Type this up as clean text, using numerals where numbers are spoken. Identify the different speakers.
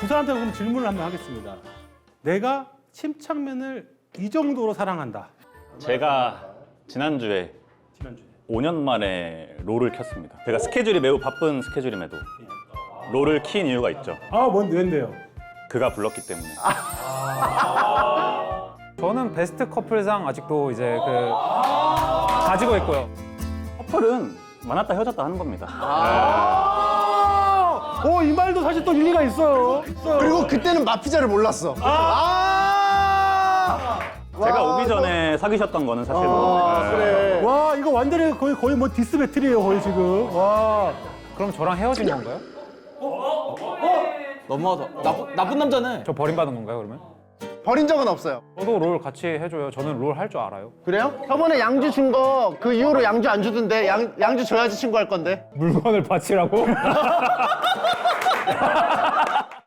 Speaker 1: 두 사람한테 그럼 질문을 한번 하겠습니다. 내가 침착맨을 이 정도로 사랑한다.
Speaker 2: 제가 지난주에 5년 만에 롤을 켰습니다. 제가 스케줄이 매우 바쁜 스케줄임에도 롤을 킨 이유가 있죠.
Speaker 1: 아, 왠데요?
Speaker 2: 그가 불렀기 때문에.
Speaker 3: 저는 베스트 커플상 아직도 이제 가지고 있고요.
Speaker 2: 커플은 만났다 헤어졌다 하는 겁니다.
Speaker 1: 이 말도 사실 또 일리가 있어요.
Speaker 4: 그리고 그때는 마피자를 몰랐어.
Speaker 2: 제가 오기 전에 사귀셨던 거는 사실
Speaker 4: 그래.
Speaker 1: 와, 이거 완전히 거의 뭐 디스 배틀이에요, 거의 지금. 와.
Speaker 3: 그럼 저랑 헤어진 건가요?
Speaker 5: 너무하다. 나쁜 남자네.
Speaker 3: 저 버림받은 건가요, 그러면?
Speaker 4: 버린 적은 없어요.
Speaker 3: 저도 롤 같이 해줘요. 저는 롤 할 줄 알아요.
Speaker 4: 그래요? 저번에 양주 준 거 그 이후로 양주 안 주던데 양주 줘야지 친구 할 건데.
Speaker 3: 물건을 바치라고?